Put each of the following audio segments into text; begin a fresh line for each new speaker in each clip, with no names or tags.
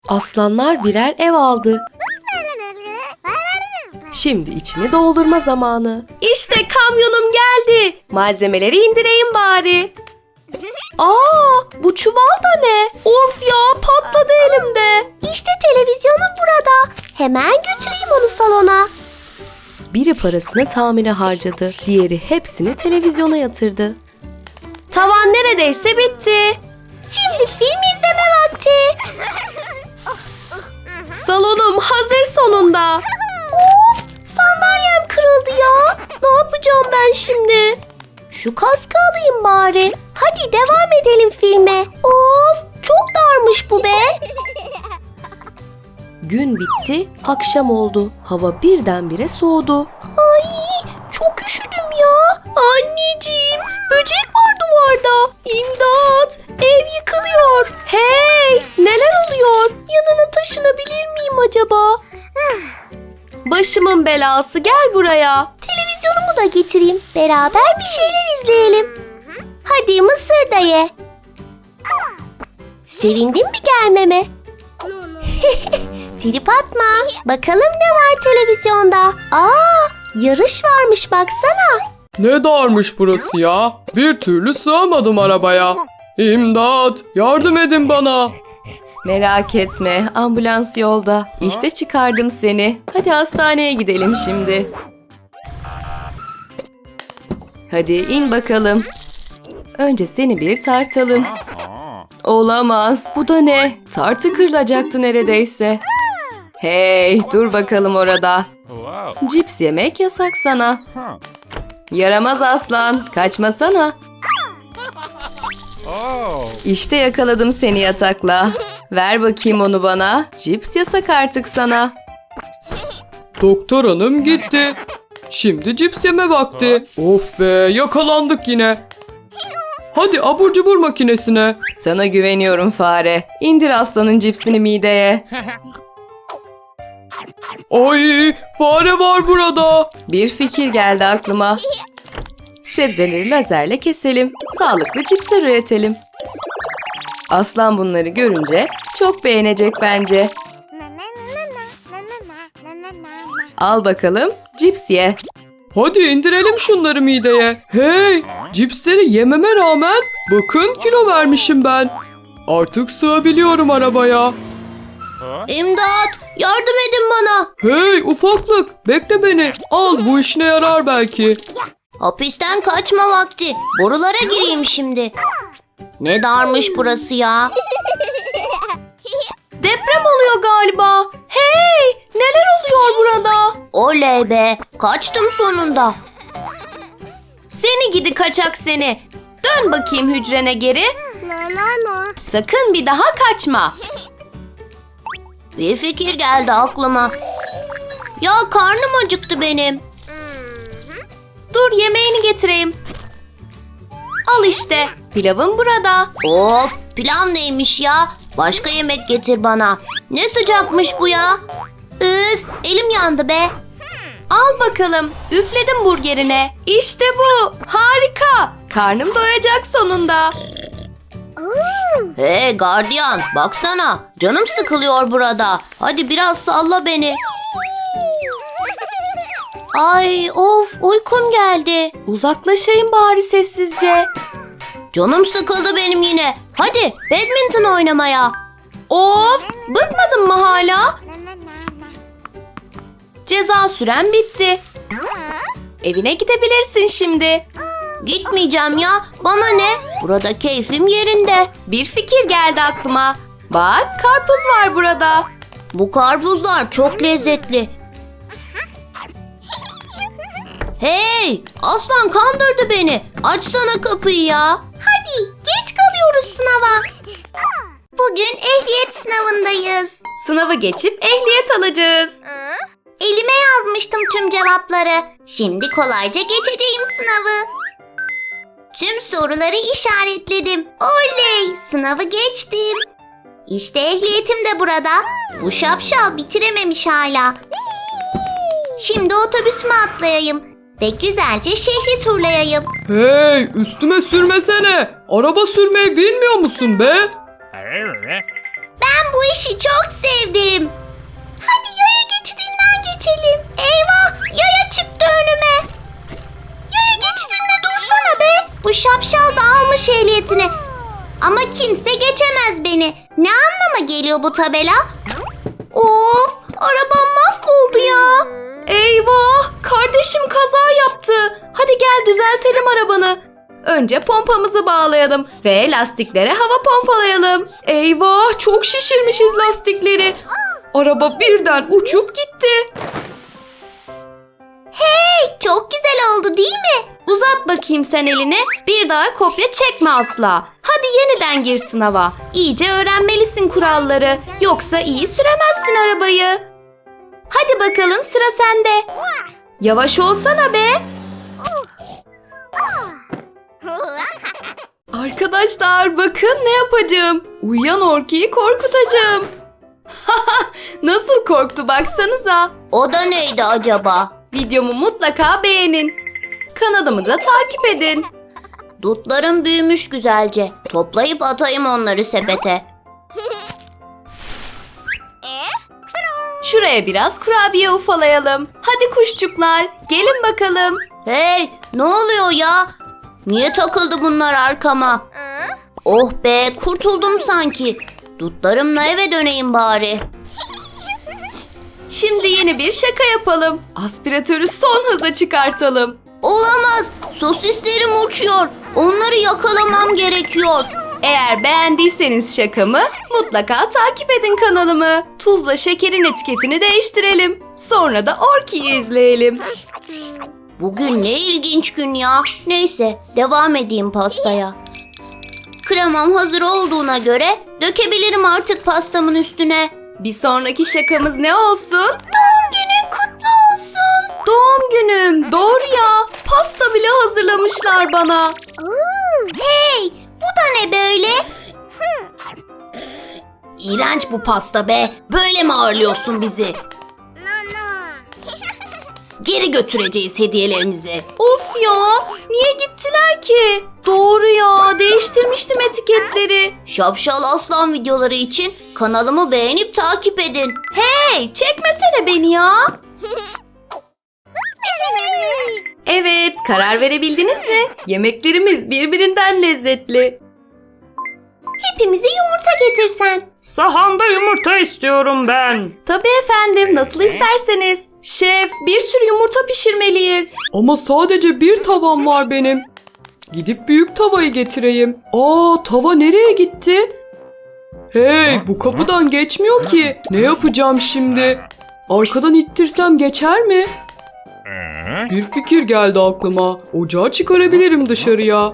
Aslanlar birer ev aldı. Şimdi içini doldurma zamanı. İşte kamyonum geldi. Malzemeleri indireyim bari. Bu çuval da ne? Of ya, patladı elimde.
İşte televizyonum burada. Hemen götüreyim onu salona.
Biri parasını tamire harcadı. Diğeri hepsini televizyona yatırdı. Tavan neredeyse bitti.
Şimdi film izleme vakti.
Salonum hazır sonunda.
Of, sandalyem kırıldı ya. Ne yapacağım ben şimdi? Şu kaskı alayım bari. Hadi devam edelim filme. Of, çok darmış bu be.
Gün bitti, akşam oldu. Hava birdenbire soğudu.
Ay, çok üşüdüm ya. Anneciğim, böcek var duvarda. İmdat, ev yıkılıyor.
Hey, neler oluyor? Yanına taşınabilir miyim acaba? Başımın belası, gel buraya.
Televizyonumu da getireyim. Beraber bir şeyler izleyelim. Hadi mısır da ye. Sevindin mi gelmeme? Trip atma. Bakalım ne var televizyonda. Yarış varmış baksana.
Ne darmış burası ya? Bir türlü sığamadım arabaya. İmdat! Yardım edin bana.
Merak etme, ambulans yolda. İşte çıkardım seni. Hadi hastaneye gidelim şimdi. Hadi in bakalım. Önce seni bir tartalım. Olamaz, bu da ne? Tartı kırılacaktı neredeyse. Hey, dur bakalım orada. Cips yemek yasak sana. Yaramaz aslan, kaçmasana. İşte yakaladım seni yatakla. Ver bakayım onu bana. Cips yasak artık sana.
Doktor hanım gitti. Şimdi cips yeme vakti. Of be, yakalandık yine. Hadi abur cubur makinesine.
Sana güveniyorum fare. İndir aslanın cipsini mideye.
Ay, fare var burada.
Bir fikir geldi aklıma. Sebzeleri lazerle keselim. Sağlıklı cipsler üretelim. Aslan bunları görünce çok beğenecek bence. Al bakalım, cips ye.
Hadi indirelim şunları mideye. Hey, cipsleri yememe rağmen bakın kilo vermişim ben. Artık sığabiliyorum arabaya.
İmdat, yardım edin bana.
Hey ufaklık, bekle beni. Al, bu işine yarar belki.
Hapisten kaçma vakti. Borulara gireyim şimdi. Ne darmış burası ya.
Deprem oluyor galiba. Hey, neler oluyor burada?
Oley be, kaçtım sonunda.
Seni gidi kaçak seni. Dön bakayım hücrene geri. Sakın bir daha kaçma.
Bir fikir geldi aklıma. Ya karnım acıktı benim.
Dur yemeğini getireyim. Al işte, pilavın burada.
Of, pilav neymiş ya? Başka yemek getir bana. Ne sıcakmış bu ya? Üf, elim yandı be.
Al bakalım, üfledim burgerine. İşte bu, harika. Karnım doyacak sonunda.
Hey gardiyan, baksana. Canım sıkılıyor burada. Hadi biraz salla beni. Ay of, uykum geldi.
Uzaklaşayım bari sessizce.
Canım sıkıldı benim yine. Hadi badminton oynamaya.
Of, bıkmadın mı hala? Ceza süren bitti. Evine gidebilirsin şimdi.
Gitmeyeceğim ya. Bana ne? Burada keyfim yerinde.
Bir fikir geldi aklıma. Bak, karpuz var burada.
Bu karpuzlar çok lezzetli. Hey! Aslan kandırdı beni. Açsana kapıyı ya. Hadi geç kalıyoruz sınava. Bugün ehliyet sınavındayız.
Sınavı geçip ehliyet alacağız.
Elime yazmıştım tüm cevapları. Şimdi kolayca geçeceğim sınavı. Tüm soruları işaretledim. Oley! Sınavı geçtim. İşte ehliyetim de burada. Bu şapşal bitirememiş hala. Şimdi otobüsüme atlayayım ve güzelce şehri turlayayım.
Hey, üstüme sürmesene. Araba sürmeyi bilmiyor musun be?
Ben bu işi çok seviyorum. söylüyor bu tabela? Of, arabam mahvoldu ya.
Eyvah! Kardeşim kaza yaptı. Hadi gel düzeltelim arabanı. Önce pompamızı bağlayalım ve lastiklere hava pompalayalım. Eyvah! Çok şişirmişiz lastikleri. Araba birden uçup gitti.
Çok güzel oldu değil mi?
Uzat bakayım sen elini. Bir daha kopya çekme asla. Hadi yeniden gir sınava. İyice öğrenmelisin kuralları. Yoksa iyi süremezsin arabayı. Hadi bakalım sıra sende. Yavaş olsana be. Arkadaşlar bakın ne yapacağım. Uyuyan Orki'yi korkutacağım. Nasıl korktu baksanıza.
O da neydi acaba?
Videomu mutlaka beğenin. Kanalımı da takip edin.
Dutlarım büyümüş güzelce. Toplayıp atayım onları sepete.
Şuraya biraz kurabiye ufalayalım. Hadi kuşçuklar, gelin bakalım.
Hey, ne oluyor ya? Niye takıldı bunlar arkama? Oh be, kurtuldum sanki. Dutlarımla eve döneyim bari.
Şimdi yeni bir şaka yapalım. Aspiratörü son hıza çıkartalım.
Olamaz, sosislerim uçuyor. Onları yakalamam gerekiyor.
Eğer beğendiyseniz şakamı mutlaka takip edin kanalımı. Tuzla şekerin etiketini değiştirelim. Sonra da Orki'yi izleyelim.
Bugün ne ilginç gün ya. Neyse, devam edeyim pastaya. Kremam hazır olduğuna göre dökebilirim artık pastamın üstüne.
Bir sonraki şakamız ne olsun?
Doğum günün kutlu olsun.
Doğum günüm. Doğru ya. Pasta bile hazırlamışlar bana.
Hey, bu da ne böyle?
İğrenç bu pasta be. Böyle mi ağırlıyorsun bizi? Geri götüreceğiz hediyelerinizi. Of ya. Niye gittiler ki? Doğru ya. Değiştirmiştim etiketleri.
Şapşal Aslan videoları için kanalımı beğenip takip edin.
Hey, çekmesene beni ya. Evet, karar verebildiniz mi? Yemeklerimiz birbirinden lezzetli.
Hepimize yumurta getirsen.
Sahanda yumurta istiyorum ben.
Tabii efendim, nasıl isterseniz. Şef, bir sürü yumurta pişirmeliyiz.
Ama sadece bir tavam var benim. Gidip büyük tavayı getireyim. Tava nereye gitti? Hey, bu kapıdan geçmiyor ki. Ne yapacağım şimdi? Arkadan ittirsem geçer mi? Bir fikir geldi aklıma. Ocağı çıkarabilirim dışarıya.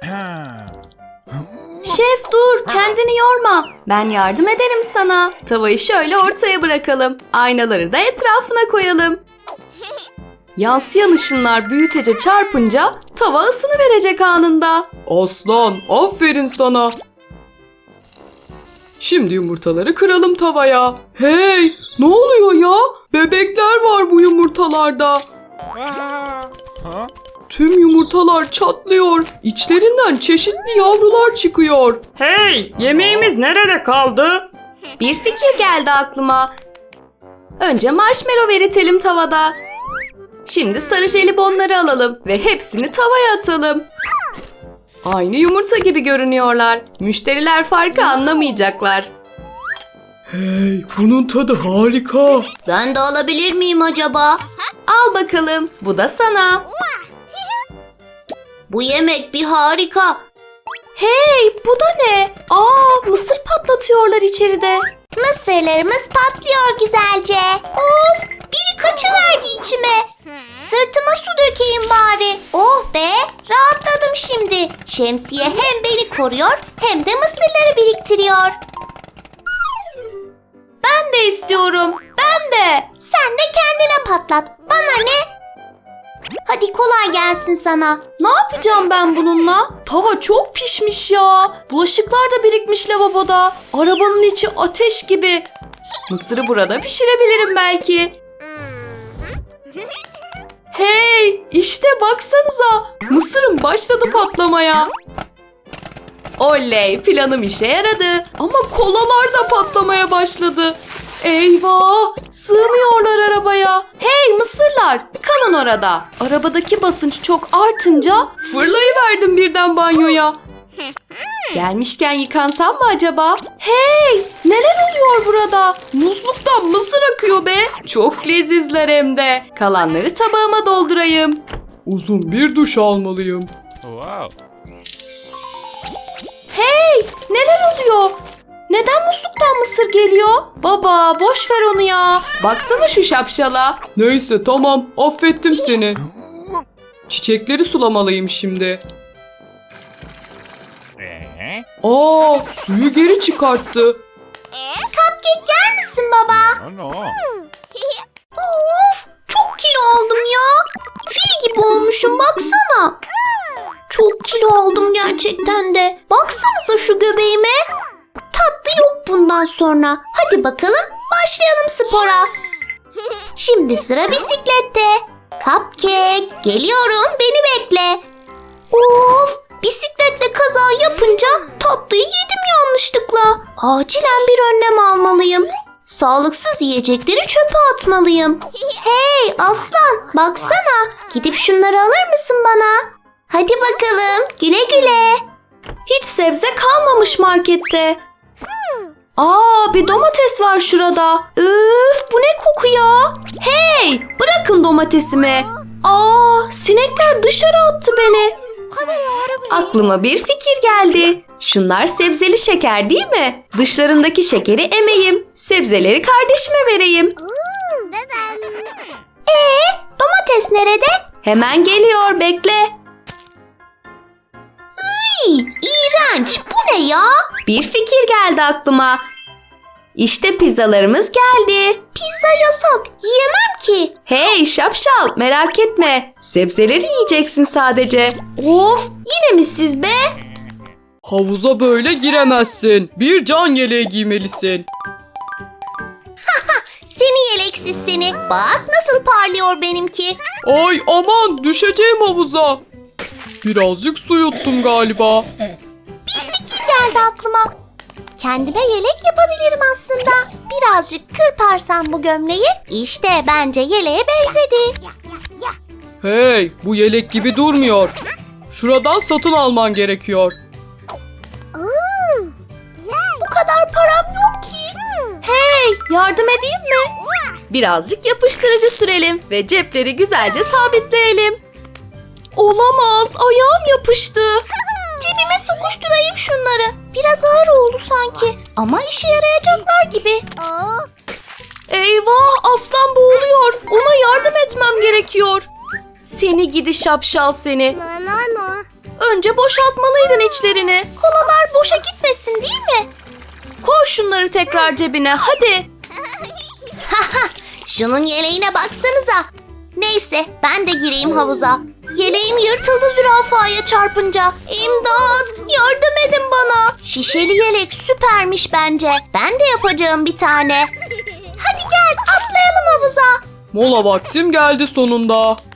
Şef dur, kendini yorma. Ben yardım ederim sana. Tavayı şöyle ortaya bırakalım. Aynaları da etrafına koyalım. Yansıyan ışınlar büyütece çarpınca tava ısını verecek anında.
Aslan, aferin sana. Şimdi yumurtaları kıralım tavaya. Hey, ne oluyor ya? Bebekler var bu yumurtalarda. Tüm yumurtalar çatlıyor. İçlerinden çeşitli yavrular çıkıyor. Hey, yemeğimiz nerede kaldı?
Bir fikir geldi aklıma. Önce marshmallow eritelim tavada. Şimdi sarı jelibonları alalım ve hepsini tavaya atalım. Aynı yumurta gibi görünüyorlar. Müşteriler farkı anlamayacaklar.
Hey, bunun tadı harika.
Ben de alabilir miyim acaba?
Al bakalım, bu da sana.
Bu yemek bir harika.
Hey, bu da ne? Mısır patlatıyorlar içeride.
Mısırlarımız patlıyor güzelce. Of, biri kaçıverdi içime. Sırtıma su dökeyim bari. Oh be, rahatladım şimdi. Şemsiye hem beni koruyor hem de mısırları biriktiriyor.
Ben de istiyorum, ben de.
Sen de kendine patlat. Bana ne? Hadi kolay gelsin sana.
Ne yapacağım ben bununla? Tava çok pişmiş ya. Bulaşıklar da birikmiş lavaboda. Arabanın içi ateş gibi. Mısırı burada pişirebilirim belki. Hey, işte baksanıza. Mısırım başladı patlamaya. Oley, planım işe yaradı. Ama kolalar da patlamaya başladı. Eyvah, sığmıyorlar arabaya. Hey mısırlar, kalın orada. Arabadaki basınç çok artınca fırlayıverdim birden banyoya. Gelmişken yıkansam mı acaba? Hey! Neler oluyor burada? Musluktan mısır akıyor be. Çok lezizler hem de. Kalanları tabağıma doldurayım.
Uzun bir duş almalıyım.
Wow.
Hey! Neler oluyor? Neden musluktan mısır geliyor? Baba boş ver onu ya. Baksana şu şapşala.
Neyse tamam, affettim seni. Çiçekleri sulamalıyım şimdi. Aa, suyu geri çıkarttı.
Cupcake yer misin baba?
Oh no.
Of, çok kilo oldum ya. Fil gibi olmuşum baksana. Çok kilo oldum gerçekten de. Baksanıza şu göbeğime. Tatlı yok bundan sonra. Hadi bakalım başlayalım spora. Şimdi sıra bisiklette. Cupcake geliyorum, beni bekle. Of, bisikletle kaza yapınca tatlıyı yedim yanlışlıkla. Acilen bir önlem almalıyım. Sağlıksız yiyecekleri çöpe atmalıyım. Hey aslan, baksana. Gidip şunları alır mısın bana? Hadi bakalım, güle güle.
Hiç sebze kalmamış markette. Aa, bir domates var şurada. Üf, bu ne koku ya? Hey, bırakın domatesimi. Aa, sinekler dışarı attı beni. Aklıma bir fikir geldi. Şunlar sebzeli şeker değil mi? Dışlarındaki şekeri emeyim. Sebzeleri kardeşime vereyim.
Domates nerede?
Hemen geliyor, bekle.
İğrenç, bu ne ya?
Bir fikir geldi aklıma. İşte pizzalarımız geldi.
Pizza yasak, yiyemem ki.
Hey şapşal, merak etme. Sebzeleri yiyeceksin sadece. Of, yine mi siz be?
Havuza böyle giremezsin. Bir can yeleği giymelisin.
Seni yeleksiz seni. Bak nasıl parlıyor benimki.
Ay aman, düşeceğim havuza. Birazcık su yuttum galiba.
Bir fikir geldi aklıma. Kendime yelek yapabilirim aslında. Birazcık kırparsam bu gömleği, işte bence yeleğe benzedi.
Hey, bu yelek gibi durmuyor. Şuradan satın alman gerekiyor.
Bu kadar param yok ki.
Hey, yardım edeyim mi? Birazcık yapıştırıcı sürelim ve cepleri güzelce sabitleyelim. Olamaz, ayağım yapıştı.
Cebime sokuşturayım şunları. Biraz ağır oldu sanki. Ama işe yarayacaklar gibi.
Eyvah, aslan boğuluyor. Ona yardım etmem gerekiyor. Seni gidi şapşal seni. Önce boşaltmalıydın içlerini.
Kolalar boşa gitmesin değil mi?
Koy şunları tekrar cebine, hadi.
Şunun yeleğine baksanıza. Neyse ben de gireyim havuza. Yeleğim yırtıldı zürafaya çarpınca. İmdat! Yardım edin bana. Şişeli yelek süpermiş bence. Ben de yapacağım bir tane. Hadi gel atlayalım havuza.
Mola vaktim geldi sonunda.